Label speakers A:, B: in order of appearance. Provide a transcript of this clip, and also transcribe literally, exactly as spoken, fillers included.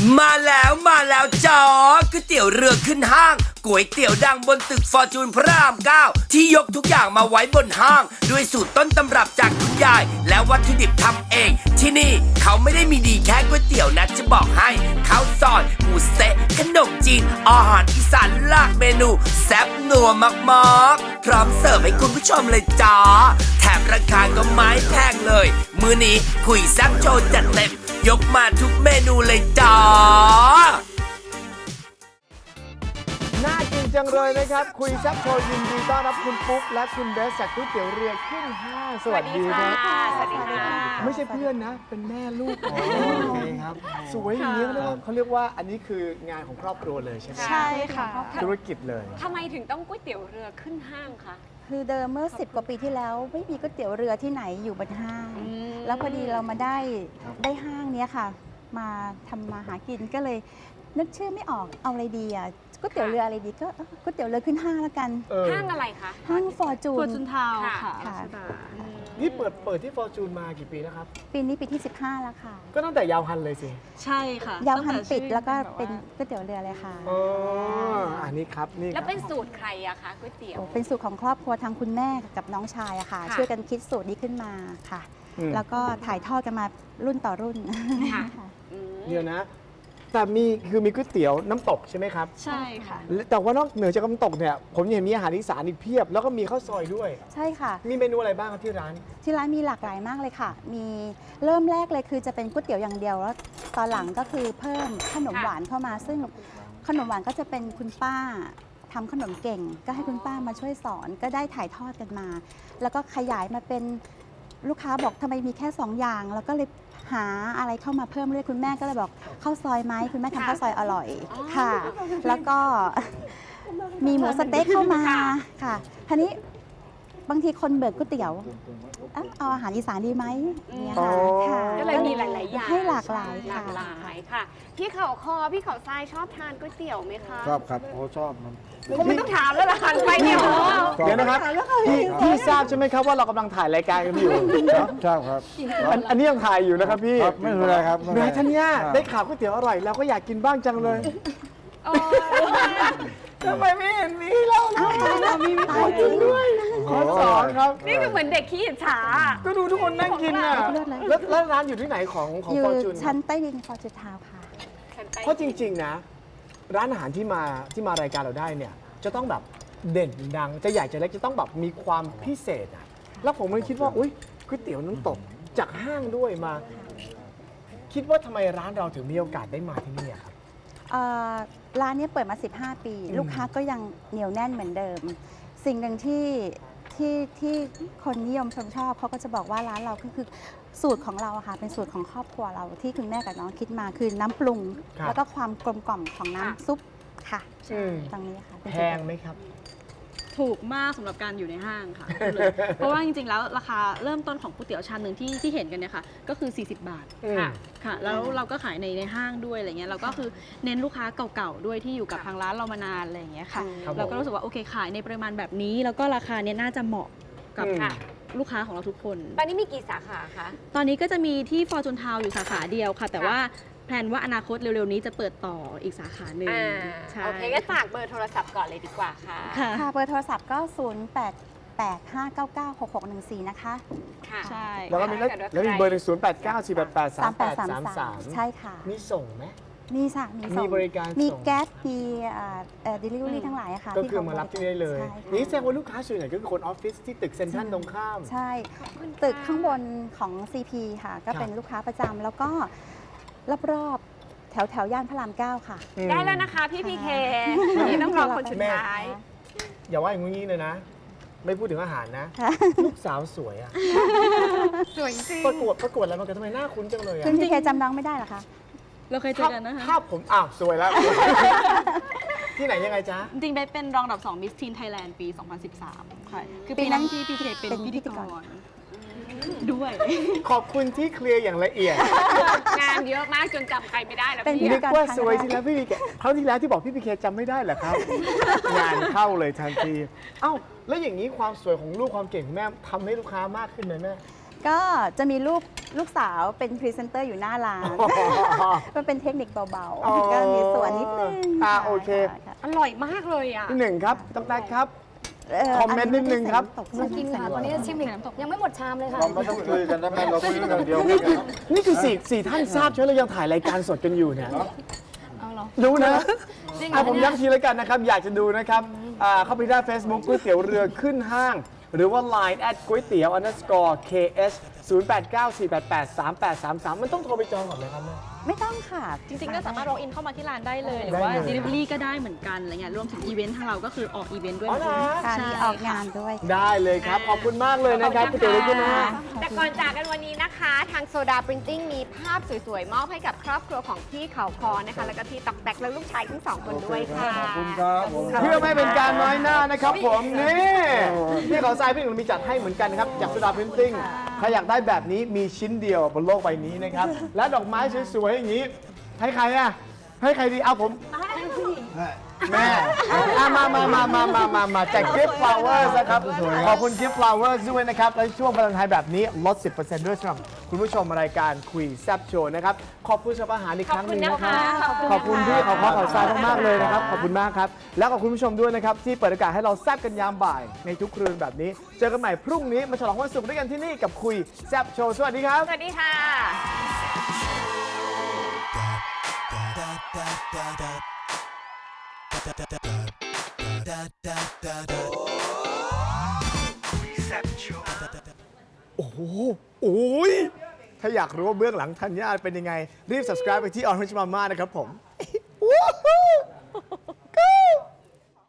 A: มาแล้วมาแล้วจ้าก๋วยเตี๋ยวเรือขึ้นห้างก๋วยเตี๋ยวดังบนตึกฟอร์จูนพระรามเก้าที่ยกทุกอย่างมาไว้บนห้างด้วยสูตรต้นตำรับจากคุณยายและวัตถุดิบทำเอง ที่นี่เขาไม่ได้มีดีแค่ก๋วยเตี๋ยวนะจะบอกให้ข้าวซอยหมูสะขนมจีนอาหารอีสานหลากเมนูแซ่บนัวมากๆพร้อมเสิร์ฟให้คุณผู้ชมเลยจ้าแถมราคาก็ไม่แพงเลยมื้อนี้คุยแซ่บโชว์จัดเต็มยกมาทุกเมนูเลยจ้า
B: น่ากินจังเลยนะครับ คุยแซ่บโชว์ยินดีต้อนรับคุณปุ๊กและคุณเบสจากก๋วยเตี๋ยวเรือขึ้นห้างสวัสดีครับ
C: สวัสดีค่ะ
B: ไม่ใช่เพื่อนนะ เป็นแม่ลูกโอเคครับสวยอย่างนี้เขาเรียกว่าอันนี้คืองานของครอบครัวเลยใช่ไหม
C: ใช่ค่ะ
B: ธุรกิจเลย
C: ทำไมถึงต้องก๋วยเตี๋ยวเรือขึ้นห้างคะ
D: คือเดิมเมื่อสิบกว่าปีที่แล้วไม่มีก๋วยเตี๋ยวเรือที่ไหนอยู่บนห้าง แล้วพอดีเรามาได้ได้ห้างเนี้ยค่ะ มาทำมาหากินก็เลยนึกชื่อไม่ออกเอาอะไรดีอ่ะก๋วยเตี๋ยวเรืออะไรดีก็เอ้อก๋วยเตี๋ยวเรือขึ้นห้างแล้วกัน
C: ห้างอะไรคะ
D: ห้างฟอร์จู
E: ฟอร์
D: น
E: จูนทาวน์
C: ค่ะ
E: ค่ะ
D: ค่ะ
B: นี่เปิดเปิดที่ฟอร์จูนมากี่ปีแล้วครับ
D: ปีนี้ปีที่สิบห้าแล้วค่ะ
B: ก็ตั้งแต่ยาวฮันเลยสิ
E: ใช่ค่ะ
D: ยาวหัน
E: ตั้งต่
D: ปิด
E: ชื่อ
D: แล้วก็
E: บบา
D: เป็นก๋วยเตี๋ยวเรือเลยค่ะ
B: อ๋ออันนี้ครับนี่
C: แล้วเป็นสูตรใครอะคะก๋วยเตี๋ยว
D: โอ้เป็นสูตรของครอบครัวทางคุณแม่กับน้องชายอะค่ะ
C: ค่ะ
D: ช่วยกันคิดสูตรนี้ขึ้นมาค่ะ แล้วก็ถ่ายทอดกันมารุ่นต่อรุ่น
C: ค่ะ
D: ค่ะ
C: อืม
B: เดี๋ยวนะ แต่มีคือมีก๋วยเตี๋ยวน้ำตกใช่ไหมครับ
E: ใช่ค่ะ
B: แต่ว่านอกเหนือจากน้ำตกเนี่ยผมเห็นมีอาหารอีสานอีกเพียบ แล้วก็มีข้าวซอยด้วย
D: ใช่ค่ะ
B: มีเมนูอะไรบ้างครับที่ร้าน
D: ที่ร้านมีหลากหลายมากเลยค่ะ มีเริ่มแรกเลยคือจะเป็นก๋วยเตี๋ยวอย่างเดียวแล้วตอนหลังก็คือเพิ่มขนมหวานเข้ามา ซึ่งขนมหวานก็จะเป็นคุณป้าทำขนมเก่ง ก็ให้คุณป้ามาช่วยสอนก็ได้ถ่ายทอดกันมา แล้วก็ขยายมาเป็นลูกค้าบอกทำไมมีแค่สองอย่าง แล้วก็เลยหาอะไรเข้ามาเพิ่มเรื่อยคุณแม่ก็เลยบอกข้าวซอยไหมคุณแม่ทำข้าวซอยอร่อยค่ะ แล้วก็ มีหมูสะเต๊กเข้ามาค่ะทีนี้บางทีคนเบิกก๋วยเตี๋ยวเอ้าเอาอาหารอีสานดีไหมเนี่ยค่ะ
B: อ๋อ
D: ค่ะ
C: ก็เลยมีหลาย ๆ อย่าง
D: ให้หลากหลาย
C: ห
D: ค่ะ
C: ลากหลายค่ะ พี่เขาคอพี่เขาทรายชอบทานก๋วยเตี๋ยวไหมคะ
F: ชอบครับโอ้ชอบมัน
C: ก็ไม่ต้องถามแล้วล่ะหันไปเนี่ยโอ้
F: ชอบ
B: เดี๋ยวนะครับพี่พี่ทราบใช่ไหมครับว่าเรากำลังถ่ายรายการกันอยู่
F: ครับชอบครับ
B: อันอันนี้ยังถ่ายอยู่นะครับพี่
F: ครับไม่เป็นไรครับไม่
B: แห
F: เป็
B: ม่
F: นไร
B: ท่านเนี่ย
F: ครับ
B: ได้ข่าวก๋วยเตี๋ยวอร่อยเราก็อยากกินบ้างจังเลยทำไมไม่เห็นมีเราเลยมีมีคนกินด้วยขอสอนครับ
C: นี่คือเหมือนเด็กขี้อิจฉา
B: ก็ดูทุกคนนั่งกินอ่ะ
D: เลิศเลย
B: แล้วแล้วร้านอยู่ที่ไหนของของ
D: อยู่
B: ฟอร์จูน
D: ชั้นใต้ดินฟอร์จูนทาวน์ค่ะ
B: เพราะจริง ๆ นะ ร้านอาหารที่มาที่มารายการเราได้เนี่ย จะต้องแบบเด่นดัง จะใหญ่จะเล็กจะต้องแบบมีความพิเศษอ่ะแล้วผมเลยคิดว่าอุ้ยก๋วยเตี๋ยวน้ำตกจากห้างด้วยมา คิดว่าทำไมร้านเราถึงมีโอกาสได้มาที่นี่อะครับ
D: เอ่อร้านนี้เปิดมา สิบห้า ปี
B: อืม
D: ลูกค้าก็ยังเหนียวแน่นเหมือนเดิม สิ่งหนึ่งที่ที่ที่คนนิยมชมชอบเขาก็จะบอกว่าร้านเราก็คือสูตรของเราอะค่ะเป็นสูตรของครอบครัวเราที่คุณแม่กับน้องคิดมาคือน้ำปรุง
B: ครับ
D: แล้วก็ความกลมกล่อมของน้ำ
C: ค่ะ
D: ซุปค่ะ
B: อืม
D: ตรงนี้ค่ะเป็น
B: แพ
D: จุด
B: ง
D: เด่น
B: ไหมครับ
E: ถูกมากสำหรับการอยู่ในห้างค่ะพูดเลยเพราะว่าจริงๆ แล้วราคาเริ่มต้นของก๋วยเตี๋ยวชามหนึ่งที่ที่เห็นกันเนี่ยค่ะ ก็คือ สี่สิบบาท
B: อืม
E: ค่ะค่ะ แล้วเราก็ขายในในห้างด้วยอะไรเงี้ยเราก็คือเน้นลูกค้าเก่าๆด้วยที่อยู่กับทางร้านเรามานานอะไรอย่างเงี้ยค่ะ
B: ครับผม
E: เราก็รู้สึกว่าโอเคขายในปริมาณแบบนี้ แล้วก็ราคาเนี้ยน่าจะเหมาะกับ
B: อืม
E: ลูกค้าของเราทุกคน
C: ตอนนี้มีกี่สาขาคะ
E: ตอนนี้ก็จะมีที่ฟอร์จูนทาวอยู่สาขาเดียวค่ะ แต่
C: ค่ะ
E: ว่าแพลนว่าอนาคตเร็วๆนี้จะเปิดต่ออีกสาขาหนึ่ง
C: อ่า
E: ใช่
C: โอเคก็ฝากเบอร์โทรศัพท์ก่อนเลยดีกว่าค่ะ
E: ค่ะ
D: ค่ะเบอร์โทรศัพท์ก็ ศูนย์ แปด แปด ห้า เก้า เก้า หก หก หนึ่ง สี่ นะคะ
C: ค่ะ
E: ใช่
B: แล้วก็มีแล้วแล้วมีเบอร์หนึ่งศูนย์แปดเก้าสี่แปดแปดสามแปดสามสาม
D: ใช่ค่ะ
B: มีส่งไหม
D: มีค่ะมีส่ง
B: มีบริการ
D: มี
B: ส่ง
D: แก๊สมีเอ่อเอ่อ delivery ทั้งหลายอะค่ะ
B: ก็
D: ที่
B: คือ
D: ข
B: มารับที่นี่ได้เลย
D: ใช่ค่ะ
B: นี่แสดงว่าลูกค้าส่วนใหญ่ก็คือคนออฟฟิศที่ตึกเซ็นทรัลตรงข้าม
D: ใช่
C: ขอบคุณค่ะ
D: ตึกข้างบนของ ซี พี ค่ะ ก็
B: ครับ
D: เป็นลูกค้าประจำแล้วก็รอบๆ แถวแถวย่านพระรามเก้าค่ะ
C: ได้แล้วนะคะพี่พีเคนี่ต้องรอคนสุดท้าย
B: อย่าว่าอย่างงี้เลยนะ ไม่พูดถึงอาหารนะ
D: ค่ะ
B: ลูกสาวสวยอะ
C: สวยจริง
B: ประกวดประกวดอะไรมากันทำไมหน้าคุ้นจังเลยอะ
D: คุณพีเคจำน้องไม่ได้เหรอคะ
E: เราเคยเจอกันนะคะ
B: ภาพผมอ้าวสวยแล้ว ที่ไหนยังไงจ๊ะ
E: จริงๆเบสเป็นรองอันดับสองมิสทีนไทยแลนด์ปี สองพันสิบสาม ค่ะ คือ
D: ปี
E: ปี
D: นั้
E: นั้น นที่พี่เคเป็น
D: เป็น
E: พิธีก
D: พิธีก
E: ร
D: ร
E: ด้วย
B: ขอบคุณที่เคลียร์อย่างละเอียด
C: งานเยอะมากจนจำใครไม่ได้แล้ว
D: เป็น
C: พี่
B: นึกว่าสวยสิแล้วพี่พีเคคราวที่แล้วที่บอกพี่พีเคจำไม่ได้เหรอครับ งานเข้าเลยทันที เอ้าแล้วอย่างนี้ความสวยของลูกความเก่งของแม่ทำให้ลูกค้ามากขึ้นไหมแม่
D: ก็จะมีลูกลูกสาวเป็นพรีเซนเตอร์อยู่หน้าร้าน มันเป็นเทคนิคเบา
B: อ๋อ
D: ๆ ก็มีส่วนนิดนึง
B: อ่า
D: ะ
B: โอเค
D: ค่ะ
C: อร่อยมากเลยอ่ะ
B: ที่หนึ่งครับตั้งแต่ครับ
D: เ
B: คอมเมนต์นิดนึงครับ
D: อัไม่ได้ใส่ำตก
G: มากินค่ะตอนนี้ชิมอีกยังไม่หมดชามเลยค่ะ
F: เราไม่ต้องคุยกันได้ไหมเราคุยกันอย่างเดียว
B: นี่คือนี่คือสี่สี่ท่านทราบใช่ไหมเรายังถ่ายรายการสดกันอยู่เนี่ย
G: เอาเหรอ
B: รู้นะ
G: จริงเหร
B: อ่ะ
G: อ
B: ผม
G: เนี่ย
B: ย้ำทีแล้วกันนะครับ อยากจะดูนะครับอ่าเข้าไปได้ Facebook ก๋วยเตี๋ยวเรือขึ้นห้าง หรือว่า ไลน์ แอทก๋วยเตี๋ยว underscore เค เอส ศูนย์ แปด เก้า สี่ แปด แปด สาม แปด สาม สาม มันต้องโทรไปจองก่อนไหมครับแม่
D: ไม่ต้องค่ะ
E: จริงๆ ก็สามารถ walk in เข้ามาที่ร้านได้เลย หรือ
B: ได้
E: ว่า
B: เลย
E: delivery ก็ได้เหมือนกันอะไรเงี้ยรวมถึงอีเวนต์ทางเราก็คือออกอีเวนต์ด้วย
B: อ๋อเหรอ
D: ค่ะ
E: ใช่
D: มีออกงานด้วย
B: ได้เลยครับ ขอบคุณมากเลยนะครับก๋วยเตี๋ยวเรือขึ้นห้าง
C: แต่ก่อนจากกันวันนี้นะคะ ทางโซดาปรินติ้งมีภาพสวยๆ มอบให้กับครอบครัวของพี่เขาคอนะคะ แล้วก็พี่ตอกแตกและลูกชายทั้งสองคนด้วยค่ะ
F: ขอบคุณครับผม
B: เพื่อไม่เป็นการน้อยหน้านะครับผมนี่พี่เขาทรายพี่หนุ่มมีจัดให้เหมือนกันนะครับจากสุดาพิมพ์ติ้งใครอยากได้แบบนี้มีชิ้นเดียวบนโลกใบนี้นะครับ และดอกไม้สวยๆอย่างนี้ ให้ใครอ่ะให้ใครดีเอาผมแม่อ่ะมามามามามามามาแจก gift flowers นะครับขอบคุณ gift flowers ด้วยนะครับและช่วงวาเลนไทน์แบบนี้ลด สิบเปอร์เซ็นต์ ด้วยสำหรับคุณผู้ชมรายการคุยแซ่บโชว์นะครับขอบคุณสำหรับอาหารอีกครั้งหนึงนะครับ ขอบคุณพี่ขอบคุณขอบทรายมากๆเลยนะครับ ขอบคุณมากครับ แล้วขอบคุณผู้ชมด้วยนะครับ ที่เปิดโอกาสให้เราแซบกันยามบ่ายในทุกคืนแบบนี้ เจอกันใหม่พรุ่งนี้มาฉลองวันศุกร์ด้วยกันที่นี่กับคุยแซบโชว์ สวัสดีครับ
C: สวัสดีค่ะ
B: โอ้โหโอ้ยถ้าอยากรู้ว่าเบื้องหลังธัญญาเป็นยังไง รีบ subscribe ไปที่ Orange Mama นะครับผม